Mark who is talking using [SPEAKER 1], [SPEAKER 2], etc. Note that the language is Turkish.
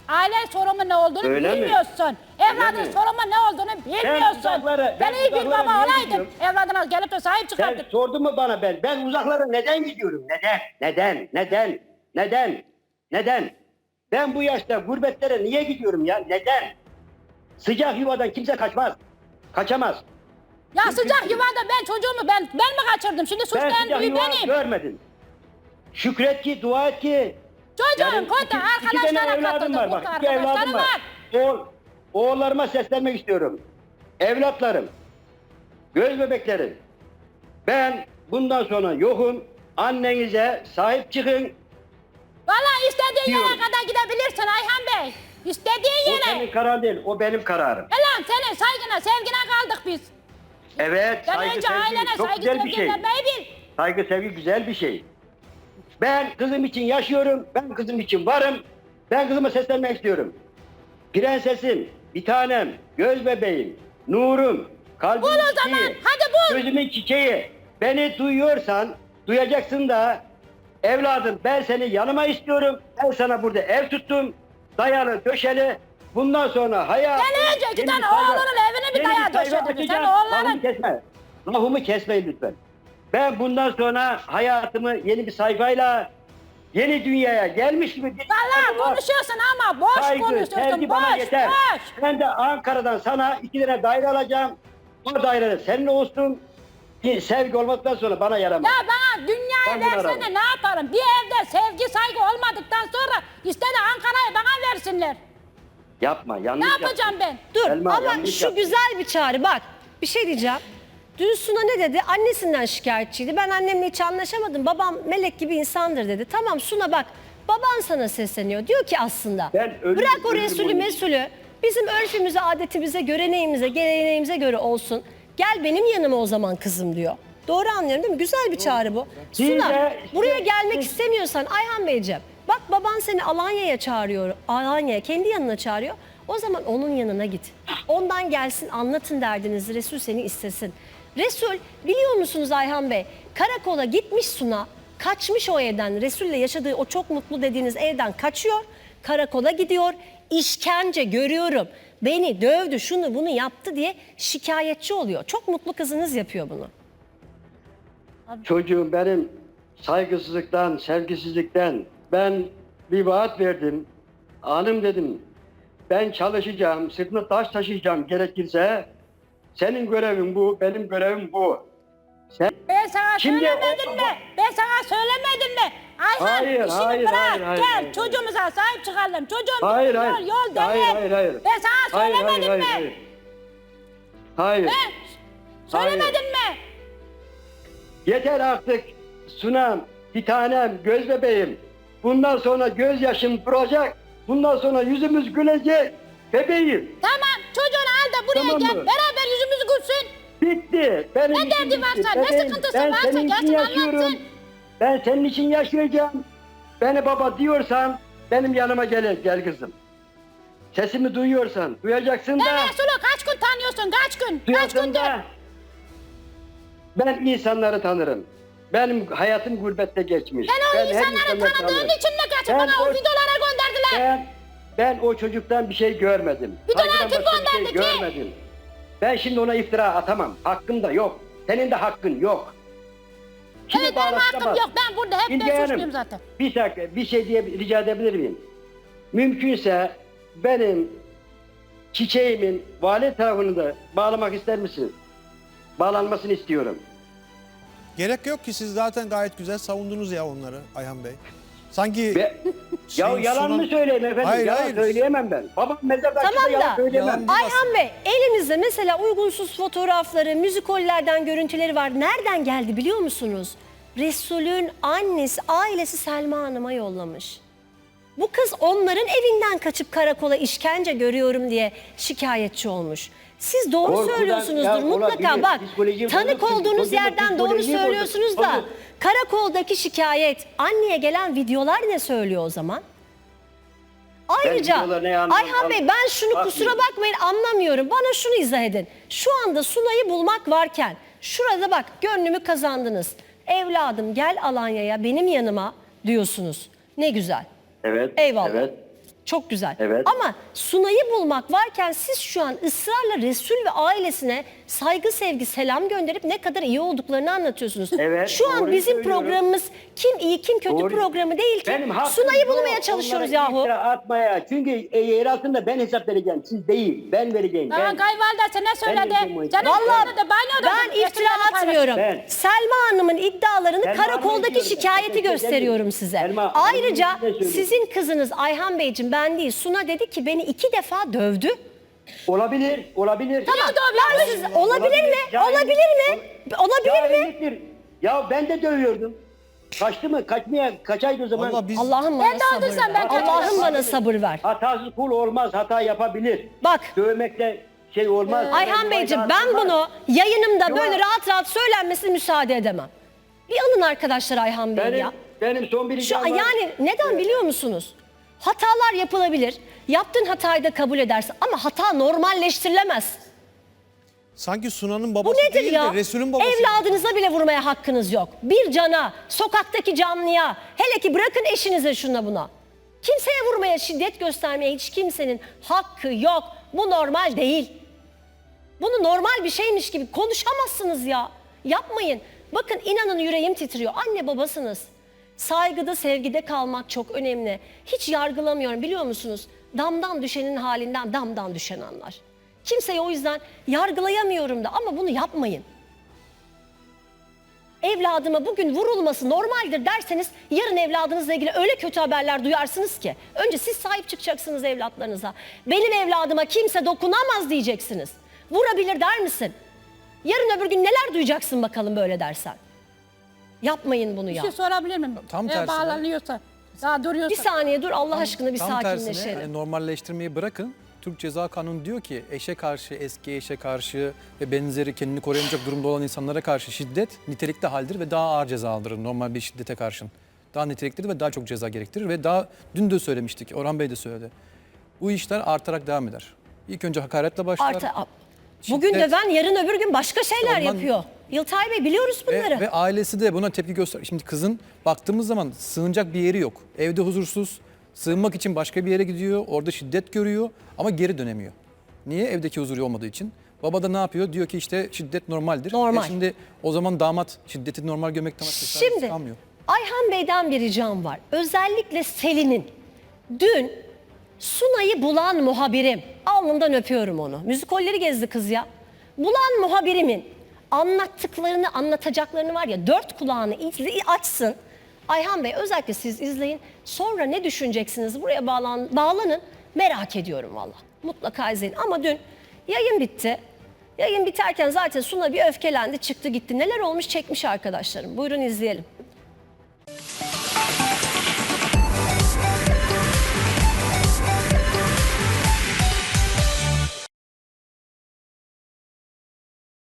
[SPEAKER 1] Aile sorumu ne olduğunu
[SPEAKER 2] Öyle mi?
[SPEAKER 1] bilmiyorsun. Evladın
[SPEAKER 2] mi?
[SPEAKER 1] sorumu ne olduğunu bilmiyorsun. Ben iyi bir
[SPEAKER 2] uzaklara
[SPEAKER 1] baba
[SPEAKER 2] niye
[SPEAKER 1] olaydın.
[SPEAKER 2] gidiyorum?
[SPEAKER 1] Evladına gelip de sahip
[SPEAKER 2] Sen
[SPEAKER 1] çıkardın.
[SPEAKER 2] sordun mu bana ben? Ben uzaklara neden gidiyorum? Neden? Ben bu yaşta gurbetlere niye gidiyorum ya? Neden? Sıcak yuvadan kimse kaçmaz. Kaçamaz.
[SPEAKER 1] Ya sıcak yuvada ben çocuğumu ben mi kaçırdım? Şimdi
[SPEAKER 2] Ben
[SPEAKER 1] suçlayan
[SPEAKER 2] sıcak
[SPEAKER 1] büyüğü
[SPEAKER 2] yuva
[SPEAKER 1] benim.
[SPEAKER 2] görmedim. Şükret ki, dua et ki.
[SPEAKER 1] Çocuğun
[SPEAKER 2] Yani
[SPEAKER 1] kötü
[SPEAKER 2] iki tane
[SPEAKER 1] arkadaşlara
[SPEAKER 2] evladım
[SPEAKER 1] katıldı.
[SPEAKER 2] var.
[SPEAKER 1] Mutlu
[SPEAKER 2] Bak, iki
[SPEAKER 1] arkadaşları
[SPEAKER 2] evladım
[SPEAKER 1] var.
[SPEAKER 2] var. Oğullarıma seslenmek istiyorum. Evlatlarım, göz bebeklerim. Ben bundan sonra yokum. Annenize sahip çıkın.
[SPEAKER 1] Valla istediğin yere
[SPEAKER 2] Diyorum.
[SPEAKER 1] kadar gidebilirsin Ayhan Bey. İstediğin
[SPEAKER 2] O
[SPEAKER 1] yere.
[SPEAKER 2] senin kararın değil, o benim kararım.
[SPEAKER 1] Lan senin saygına, sevgine kaldık biz.
[SPEAKER 2] Evet,
[SPEAKER 1] Sen
[SPEAKER 2] saygı
[SPEAKER 1] önce
[SPEAKER 2] sevgi
[SPEAKER 1] ailene
[SPEAKER 2] çok
[SPEAKER 1] saygı
[SPEAKER 2] güzel bir
[SPEAKER 1] sevgi
[SPEAKER 2] şey.
[SPEAKER 1] vermeyi bil.
[SPEAKER 2] Saygı sevgi güzel bir şey. Ben kızım için yaşıyorum, ben kızım için varım. Ben kızıma seslenmek istiyorum. Prensesim, bir tanem, göz bebeğim, nurum, kalbimin
[SPEAKER 1] Bul o
[SPEAKER 2] çiçeği,
[SPEAKER 1] zaman, hadi bul.
[SPEAKER 2] gözümün çiçeği. Beni duyuyorsan, duyacaksın da evladım ben seni yanıma istiyorum. Ben sana burada ev tuttum, dayalı döşeli. Bundan sonra hayat...
[SPEAKER 1] Sen önce iki
[SPEAKER 2] yeni
[SPEAKER 1] tane
[SPEAKER 2] bir sayfa-
[SPEAKER 1] oğlunun evini bir
[SPEAKER 2] yeni
[SPEAKER 1] dayağı
[SPEAKER 2] sayfa
[SPEAKER 1] döşedin. Sen
[SPEAKER 2] açacağım.
[SPEAKER 1] oğulların...
[SPEAKER 2] Lafımı kesme. Lafımı kesmeyin lütfen. Ben bundan sonra hayatımı yeni bir sayfayla, yeni dünyaya gelmiş gibi...
[SPEAKER 1] Valla konuşuyorsun ama boş
[SPEAKER 2] Saygı,
[SPEAKER 1] konuşuyorsun.
[SPEAKER 2] sevgi bana
[SPEAKER 1] Boş,
[SPEAKER 2] yeter.
[SPEAKER 1] boş.
[SPEAKER 2] Ben de Ankara'dan sana 2 tane daire alacağım. O daire senin olsun. Bir sevgi olmaktan sonra bana yaramaz.
[SPEAKER 1] Ya bana dünyayı
[SPEAKER 2] Ben bunu
[SPEAKER 1] versene
[SPEAKER 2] ararım.
[SPEAKER 1] ne yaparım? Bir evde sevgi saygı olmadıktan sonra istedi Ankara'yı bana versinler.
[SPEAKER 2] Yapma, yanlış
[SPEAKER 1] Ne
[SPEAKER 2] yaptın.
[SPEAKER 1] yapacağım ben?
[SPEAKER 3] Dur
[SPEAKER 2] Selma,
[SPEAKER 3] ama
[SPEAKER 2] yanlış
[SPEAKER 3] şu
[SPEAKER 2] yaptın.
[SPEAKER 3] güzel bir çağrı bak. Bir şey diyeceğim. Dün Suna ne dedi? Annesinden şikayetçiydi. Ben annemle hiç anlaşamadım. Babam melek gibi insandır dedi. Tamam Suna bak. Baban sana sesleniyor. Diyor ki aslında
[SPEAKER 2] Ben ölürüm,
[SPEAKER 3] bırak o
[SPEAKER 2] ölürüm
[SPEAKER 3] Resulü
[SPEAKER 2] onun için.
[SPEAKER 3] mesulü. Bizim örfümüze, adetimize, göreneğimize, geleneğimize göre olsun. Gel benim yanıma o zaman kızım diyor. Doğru anlıyorum değil mi? Güzel bir çağrı bu.
[SPEAKER 2] Siz
[SPEAKER 3] Suna
[SPEAKER 2] de-
[SPEAKER 3] buraya gelmek istemiyorsan Ayhan Beyciğim. Bak baban seni Alanya'ya çağırıyor. Alanya'ya kendi yanına çağırıyor. O zaman onun yanına git. Ondan gelsin anlatın derdinizi. Resul seni istesin. Resul biliyor musunuz Ayhan Bey? Karakola gitmiş Suna. Kaçmış o evden. Resul'le yaşadığı o çok mutlu dediğiniz evden kaçıyor. Karakola gidiyor. İşkence görüyorum. Beni dövdü, şunu bunu yaptı diye şikayetçi oluyor. Çok mutlu kızınız yapıyor bunu.
[SPEAKER 2] Çocuğum benim saygısızlıktan, sevgisizlikten ben bir vaat verdim. Hanım dedim, ben çalışacağım, sırtına taş taşıyacağım gerekirse. Senin görevin bu, benim görevim bu. Sen...
[SPEAKER 1] Ben sana
[SPEAKER 2] Şimdi
[SPEAKER 1] söylemedim
[SPEAKER 2] o-
[SPEAKER 1] mi? Ben sana söylemedim mi? Ayhan
[SPEAKER 2] Hayır,
[SPEAKER 1] işini
[SPEAKER 2] hayır,
[SPEAKER 1] bırak
[SPEAKER 2] hayır,
[SPEAKER 1] gel
[SPEAKER 2] hayır.
[SPEAKER 1] çocuğumuza sahip çıkalım. Çocuğum
[SPEAKER 2] Hayır,
[SPEAKER 1] yol,
[SPEAKER 2] hayır.
[SPEAKER 1] yol değil.
[SPEAKER 2] Hayır.
[SPEAKER 1] Ben sana
[SPEAKER 2] Hayır,
[SPEAKER 1] söylemedim mi?
[SPEAKER 2] Hayır.
[SPEAKER 1] He? Söylemedin mi?
[SPEAKER 2] Yeter artık Sunam, bir tanem, göz bebeğim. Bundan sonra gözyaşım duracak. Bundan sonra yüzümüz gülecek. Bebeğim.
[SPEAKER 1] Tamam çocuğunu al da buraya
[SPEAKER 2] Tamam
[SPEAKER 1] gel.
[SPEAKER 2] mı?
[SPEAKER 1] Beraber yüzümüzü gülsün.
[SPEAKER 2] Bitti. Benim
[SPEAKER 1] Ne
[SPEAKER 2] işim
[SPEAKER 1] derdi
[SPEAKER 2] bitti.
[SPEAKER 1] varsa, ne
[SPEAKER 2] Bebeğim,
[SPEAKER 1] sıkıntısı
[SPEAKER 2] ben
[SPEAKER 1] varsa
[SPEAKER 2] senin için
[SPEAKER 1] gelsin
[SPEAKER 2] yaşıyorum.
[SPEAKER 1] anlatsın.
[SPEAKER 2] Ben senin için yaşayacağım. Beni baba diyorsan benim yanıma gel kızım. Sesimi duyuyorsan duyacaksın da.
[SPEAKER 1] Ne Resulü kaç gün tanıyorsun kaç gün? Kaç
[SPEAKER 2] Duyacaksın
[SPEAKER 1] gündür?
[SPEAKER 2] da. Ben insanları tanırım. Benim hayatım gurbette geçmiş.
[SPEAKER 1] Ben o
[SPEAKER 2] her
[SPEAKER 1] insanları
[SPEAKER 2] insanları
[SPEAKER 1] tanıdığın
[SPEAKER 2] tanırım.
[SPEAKER 1] için mi kaçıp
[SPEAKER 2] Ben
[SPEAKER 1] bana o
[SPEAKER 2] o-
[SPEAKER 1] videolara gönderdiler?
[SPEAKER 2] Ben o çocuktan bir şey görmedim.
[SPEAKER 1] Videolar
[SPEAKER 2] Saygıdan
[SPEAKER 1] kim
[SPEAKER 2] başka bir şey
[SPEAKER 1] gönderdi ki?
[SPEAKER 2] görmedim. Ben şimdi ona iftira atamam. Hakkım da yok. Senin de hakkın yok. Kimi
[SPEAKER 1] Evet benim hakkım
[SPEAKER 2] bağlatsamaz.
[SPEAKER 1] yok. Ben burada hep
[SPEAKER 2] İlgi
[SPEAKER 1] ben
[SPEAKER 2] Hanım,
[SPEAKER 1] suçluyum zaten.
[SPEAKER 2] Bir dakika bir şey diye rica edebilir miyim? Mümkünse benim çiçeğimin vali tarafını da bağlamak ister misiniz? Bağlanmasını istiyorum.
[SPEAKER 4] Gerek yok ki siz zaten gayet güzel savundunuz ya onları Ayhan Bey. Sanki
[SPEAKER 2] Ve, ya
[SPEAKER 4] Şeyin
[SPEAKER 2] yalan
[SPEAKER 4] sunan-
[SPEAKER 2] mı söyleyeyim efendim?
[SPEAKER 4] Hayır,
[SPEAKER 2] yalan
[SPEAKER 4] hayır.
[SPEAKER 2] söyleyemem ben. Babam mezarda
[SPEAKER 3] Tamam
[SPEAKER 2] açıkta yalan
[SPEAKER 3] da
[SPEAKER 2] söyleyemem.
[SPEAKER 4] Yalan-
[SPEAKER 3] Ayhan Bey elimizde mesela uygunsuz fotoğrafları, müzikollerden görüntüleri var. Nereden geldi biliyor musunuz? Resul'ün annesi, ailesi Selma Hanım'a yollamış. Bu kız onların evinden kaçıp karakola işkence görüyorum diye şikayetçi olmuş. Siz doğru
[SPEAKER 2] Korkudan
[SPEAKER 3] söylüyorsunuzdur
[SPEAKER 2] ya
[SPEAKER 3] mutlaka.
[SPEAKER 2] olabilir.
[SPEAKER 3] Bak
[SPEAKER 2] Psikolojiyi
[SPEAKER 3] tanık
[SPEAKER 2] bozuk,
[SPEAKER 3] olduğunuz
[SPEAKER 2] çocuğun
[SPEAKER 3] yerden doğru
[SPEAKER 2] psikolojiyi bozuk.
[SPEAKER 3] söylüyorsunuz da
[SPEAKER 2] Bozuk.
[SPEAKER 3] karakoldaki şikayet, anneye gelen videolar ne söylüyor o zaman? Ayrıca
[SPEAKER 2] videoları ne anlam-
[SPEAKER 3] Ayhan Bey ben şunu
[SPEAKER 2] Bakmıyorum.
[SPEAKER 3] kusura bakmayın anlamıyorum. Bana şunu izah edin. Şu anda Sunay'ı bulmak varken şurada bak gönlümü kazandınız. Evladım gel Alanya'ya benim yanıma diyorsunuz. Ne güzel.
[SPEAKER 2] Evet.
[SPEAKER 3] Eyvallah.
[SPEAKER 2] Evet.
[SPEAKER 3] Çok güzel.
[SPEAKER 2] Evet.
[SPEAKER 3] Ama Sunay'ı bulmak varken siz şu an ısrarla Resul ve ailesine saygı, sevgi, selam gönderip ne kadar iyi olduklarını anlatıyorsunuz.
[SPEAKER 2] Evet,
[SPEAKER 3] Şu an
[SPEAKER 2] doğruyu
[SPEAKER 3] bizim
[SPEAKER 2] söylüyorum.
[SPEAKER 3] programımız kim iyi kim kötü
[SPEAKER 2] Doğru.
[SPEAKER 3] programı değil ki.
[SPEAKER 2] Benim hakkım
[SPEAKER 3] Sunay'ı
[SPEAKER 2] yok
[SPEAKER 3] bulmaya çalışıyoruz
[SPEAKER 2] onlara
[SPEAKER 3] yahu.
[SPEAKER 2] iftira atmaya. Çünkü yer altında ben hesap vereceğim. Siz değil. Ben vereceğim.
[SPEAKER 1] Daha
[SPEAKER 2] Ben.
[SPEAKER 1] kayvalderse ne söyledi?
[SPEAKER 2] vereceğim o
[SPEAKER 1] Canım
[SPEAKER 3] Vallahi
[SPEAKER 1] söyledi.
[SPEAKER 3] ben iftira atmıyorum.
[SPEAKER 2] Ben.
[SPEAKER 3] Selma Hanım'ın iddialarını
[SPEAKER 2] Selma
[SPEAKER 3] karakoldaki
[SPEAKER 2] Hanım'ı
[SPEAKER 3] şikayeti
[SPEAKER 2] diyorum ben.
[SPEAKER 3] gösteriyorum size.
[SPEAKER 2] Selma,
[SPEAKER 3] Ayrıca
[SPEAKER 2] Hanım'ı söylüyorum.
[SPEAKER 3] sizin kızınız Ayhan Beyciğim, ben değil, Suna dedi ki beni 2 defa dövdü.
[SPEAKER 2] Olabilir. Olabilir.
[SPEAKER 3] Tamam, ben siz olabilir mi?
[SPEAKER 2] Cahil-
[SPEAKER 3] Olabilir mi? Olabilir mi?
[SPEAKER 2] Cahilliktir. Ya ben de dövüyordum. Kaçtı mı? Kaçaydı o zaman.
[SPEAKER 4] Vallahi biz
[SPEAKER 3] Allah'ım
[SPEAKER 1] Ben
[SPEAKER 3] bana
[SPEAKER 1] de
[SPEAKER 3] sabır
[SPEAKER 1] öldürsem
[SPEAKER 3] ver.
[SPEAKER 1] ben kaçarım.
[SPEAKER 3] Allah'ım bana sabır ver.
[SPEAKER 2] Hatasız kul olmaz. Hata yapabilir.
[SPEAKER 3] Bak.
[SPEAKER 2] Dövmekle şey olmaz.
[SPEAKER 3] Ayhan Beyciğim, ben bunu yayınımda
[SPEAKER 2] Yok.
[SPEAKER 3] böyle rahat rahat söylenmesine müsaade edemem. Bir alın arkadaşlar Ayhan Bey'i ya.
[SPEAKER 2] Benim son bir
[SPEAKER 3] Şu,
[SPEAKER 2] ricam var.
[SPEAKER 3] yani neden biliyor musunuz? Hatalar yapılabilir. Yaptığın hatayı da kabul edersin ama hata normalleştirilemez.
[SPEAKER 4] sanki Sunan'ın
[SPEAKER 3] Bu
[SPEAKER 4] babası
[SPEAKER 3] nedir
[SPEAKER 4] değil
[SPEAKER 3] ya?
[SPEAKER 4] de Resul'ün babası.
[SPEAKER 3] Evladınıza bile vurmaya hakkınız yok. Bir cana, sokaktaki canlıya, hele ki bırakın eşinize şuna buna. Kimseye vurmaya, şiddet göstermeye hiç kimsenin hakkı yok. Bu normal değil. Bunu normal bir şeymiş gibi konuşamazsınız ya. Yapmayın. Bakın inanın yüreğim titriyor. Anne babasınız. Saygıda, sevgide kalmak çok önemli. Hiç yargılamıyorum, biliyor musunuz? Damdan düşenin halinden damdan düşen anlar. Kimseyi o yüzden yargılayamıyorum da, ama bunu yapmayın. Evladıma bugün vurulması normaldir derseniz yarın evladınızla ilgili öyle kötü haberler duyarsınız ki. Önce siz sahip çıkacaksınız evlatlarınıza. Benim evladıma kimse dokunamaz diyeceksiniz. Vurabilir der misin? Yarın öbür gün neler duyacaksın bakalım böyle dersen. Yapmayın bunu
[SPEAKER 1] Bir
[SPEAKER 3] ya.
[SPEAKER 1] şey sorabilir miyim?
[SPEAKER 5] Tam
[SPEAKER 1] Eğer
[SPEAKER 5] tersine.
[SPEAKER 1] bağlanıyorsa, daha duruyorsa.
[SPEAKER 3] Bir saniye dur Allah aşkına, bir
[SPEAKER 5] Tam tersine
[SPEAKER 3] sakinleşelim.
[SPEAKER 5] normalleştirmeyi bırakın. Türk Ceza Kanunu diyor ki eşe karşı, eski eşe karşı ve benzeri kendini koruyamayacak durumda olan insanlara karşı şiddet nitelikli haldir ve daha ağır ceza aldırır normal bir şiddete karşın. Daha niteliklidir ve daha çok ceza gerektirir ve daha dün de söylemiştik, Orhan Bey de söyledi. Bu işler artarak devam eder. İlk önce hakaretle başlar.
[SPEAKER 3] Bugün
[SPEAKER 5] şiddet-
[SPEAKER 3] döven, yarın öbür gün başka şeyler
[SPEAKER 5] Ondan-
[SPEAKER 3] yapıyor. Yıltay Bey, biliyoruz bunları.
[SPEAKER 5] Ve ailesi de buna tepki göster. Şimdi kızın baktığımız zaman sığınacak bir yeri yok. Evde huzursuz. Sığınmak için başka bir yere gidiyor. Orada şiddet görüyor ama geri dönemiyor. Niye? Evdeki huzuru olmadığı için. Baba da ne yapıyor? Diyor ki işte şiddet normaldir.
[SPEAKER 3] Normal.
[SPEAKER 5] Şimdi o zaman damat şiddeti normal görmekten başka çaresi
[SPEAKER 3] Şimdi
[SPEAKER 5] kalmıyor.
[SPEAKER 3] Ayhan Bey'den bir ricam var. Özellikle Selin'in dün Sunay'ı bulan muhabirim, alnından öpüyorum onu. Müzikolleri gezdi kız ya. Bulan muhabirimin anlattıklarını, anlatacaklarını var ya, 4 kulağını açsın. Ayhan Bey, özellikle siz izleyin. Sonra ne düşüneceksiniz? Buraya bağlanın. Merak ediyorum valla. Mutlaka izleyin. Ama dün yayın bitti. Yayın biterken zaten Suna bir öfkelendi, çıktı gitti. Neler olmuş çekmiş arkadaşlarım. Buyurun izleyelim.